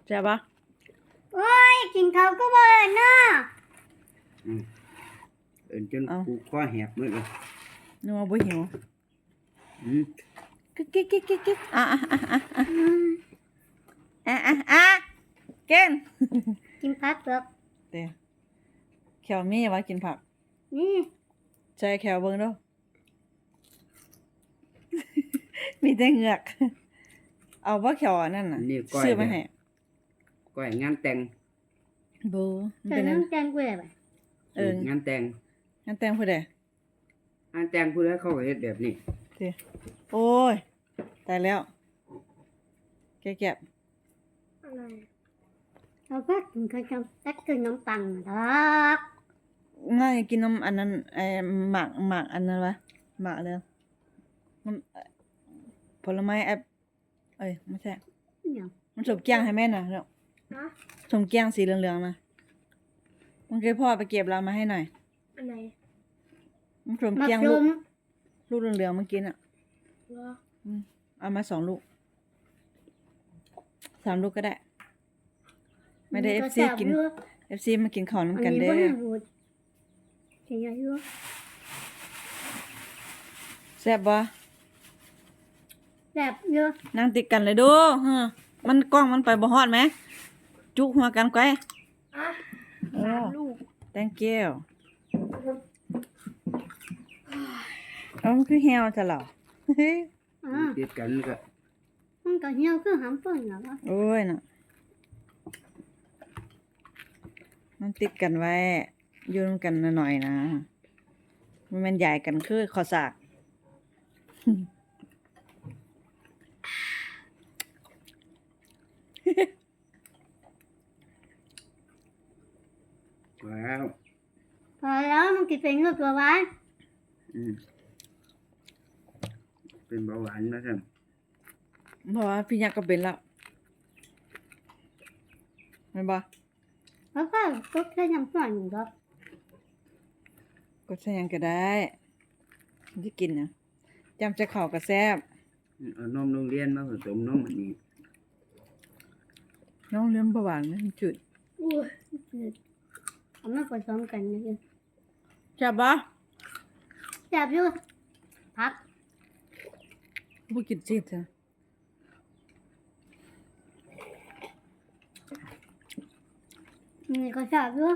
ใช่ปะโอ้ยกินเขาวก็บ่เนาะจนกูคอแหบมืดเลยนึกว่าบ่หิวกิ๊กเก่งกินผักเปลือกเด้แขวมีว่ากินผักนี่ใช่แขวเบิ่งดูมีแต่เหงือกเอาบ่แขวอันนั้นน่ะซื้อมาให้ก้อยงานแต่งบ่มันเป็นงานแต่งกูได้บ่งานแต่งผู้ใดงานแต่งผู้ใดเขาก็เฮ็ดแบบนี้ติโอ้ยตายแล้วแก่ๆอะไรเราก็กินข้าวตักกินน้ำปังดอกง่ายกินน้ำอันนั้นหมากอันนั้นวะหมากเลยน้ำผลไม้ไม่ใช่มันสมแกงให้แม่น่ะเนาะสมแกงสีเหลืองๆนะมันเคยพ่อไปเก็บเรามาให้หน่อยอันไหนมันสมแกงลูกเหลืองๆมากินอ่ะเอามา2 ลูก3 ลูกก็ได้ไม่ได้ FC กิน FC มากินข้าวน้ำกันเด้อแซ่บบ่แซ่บเยอะนั่งติดกันเลยดูมันกล้องมันไปบ่ฮอดไหมจุกหัวกันไกว 3 ลูก thank you มันคือเหี่ยวซะแล้วติดกันก็มันก็เหี่ยวคือหำฝนเหรอวะโอ้ยน่ะมันติดกันไว้อยู่นำกันหน่อยๆนะมันใหญ่กันคือข้อสากแล้วพอแล้วมันกินเป็นเงือกตัวไว้เป็นเบาหวานนะท่านเพราะว่าพี่ยักษ์ก็เป็นแล้วแม่นบ่แล้วก็กดแค่น้ำฝนก็กดใส่หยังก็ได้ที่กินน่ะจำจะเข้าก็แซ่บเอานมโรงเรียนมาผสมนมอันนี้น้องเลี้ยงเบาหวานมันจืดจืดเอามาผสมกันนะจ๊ะจับบ่จับอยู่พักบ่กินจืดจ้ะนี่ก็จับอยู่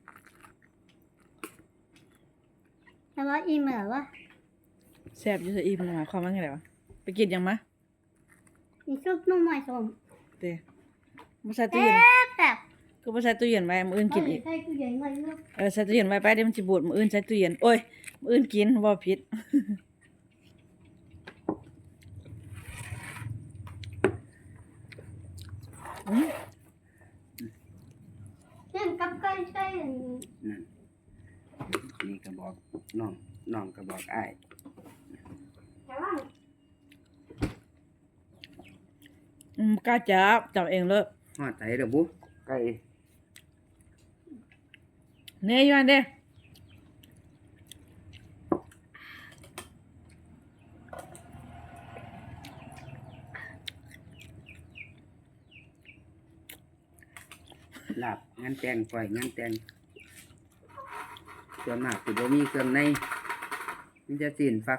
แต่ว่าอิ่มแล้ววะแซ่บอยู่ซะอิ่มหมายความว่าไงวะไปกินยังมะมีซุปนุ่มใหม่ส้มเด้บ่ใส่ตู้เย็นก็บ่ใส่ตู้เย็นไว้มื้ออื่นกินอีกใส่ตู้เย็นไว้อยู่ใส่ตู้เย็นไว้ไปเดี๋ยวมันสิบูดมื้ออื่นใส่ตู้เย็นโอ้ยมื้ออื่นกินบ่ผิดเช่นกับไก่ใส่นั่นนี่ก็บอกน้องก็บอกอ้ายกล้าจับเองเลยฮอดไสเด้อบุไก่เนยอยู่อันเด้ลาบงานแต่งก้อยงานแต่งส่วนมากสิบ่มีเครื่องในมันจะสิ้นฟัก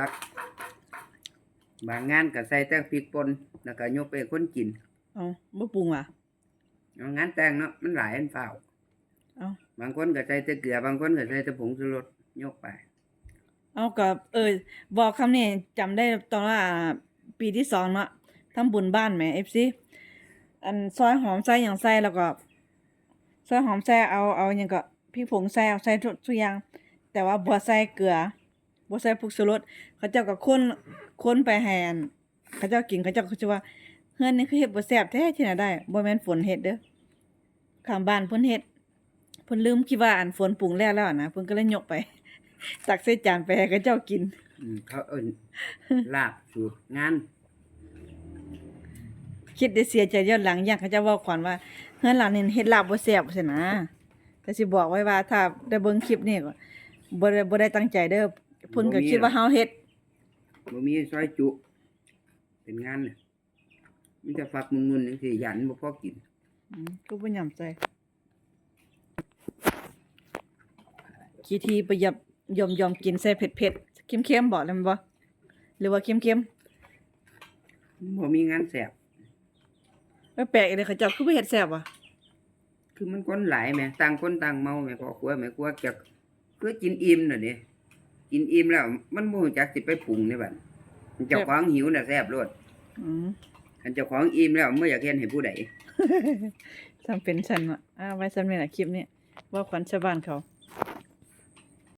บางงานก็ใส่แต่พริกป่นแล้วก็ยกไปคนกินบ่ปรุงว่ะงานแต่งเนาะมันหลายอันเฝ้าบางคนก็ใส่แต่เกลือบางคนก็ใส่แต่ผงชูรสยกไปกับบอกคำนี้จำได้ตอนว่าปีที่2เนาะทำบุญบ้านแหม FC อันซอยหอมใส่หยังใส่แล้วก็ซอยหอมใส่เอาหยังก็พริกผงใส่เอาใส่ทุกอย่างแต่ว่าบ่ใส่เกลือบ่ใส่ผงชูรสเขาเจ้าก็คนไปให้อันเขาเจ้ากินเขาเจ้าก็สิว่าเฮือนนี่คือเฮ็ดบ่แซ่บแท้ที่ไหนได้บ่แม่นฝนเฮ็ดเด้อข้างบ้านเพิ่นเฮ็ดเพิ่นลืมคิดว่าอันฝนปรุงแล้วนะเพิ่นก็เลยยกไปตักใส่จานไปให้เขาเจ้ากินเขาเอิ้นลาบสูตรงานคิดได้เสียใจย้อนหลังอย่างเขาเจ้าเว้าขวัญว่าเฮือนหลังนี้เฮ็ดลาบบ่แซ่บซั่นนะแต่สิบอกไว้ว่าถ้าได้เบิ่งคลิปนี้ก็บ่ได้ตั้งใจเด้อเพิ่นก็คิดว่าเฮาเฮ็ดบ่มีซอยจุเป็นงานน่ะมีแต่ฝักมุนๆจังซี่ยันบ่พอกินก็บ่ยำใจขี้ทีประหยับยอมกินใส่เผ็ดๆเค็มๆบ่แล้วแม่นบ่หรือว่าเค็มบ่มีงานแซ่บๆแปลกๆอีเด้อเขาเจ้าคือบ่เฮ็ดแซ่บวะคือมันคนหลายแหมต่างคนต่างเมาแหมพ่อครัวแม่ครัวจะคือกินอิ่มน่ะนี่กินอิ่มแล้วมันบ่รู้จักสิไปปรุงนี่บัดเจ้าของหิวน่ะแซ่บโลดอืมคันเจ้าของอิ่มแล้วบ่อยากเฮ็ดให้ผู้ใดจำเป็นฉันว่ะไว้สำนี้ล่ะคลิปนี้เว่าขวัญชาวบ้านเขา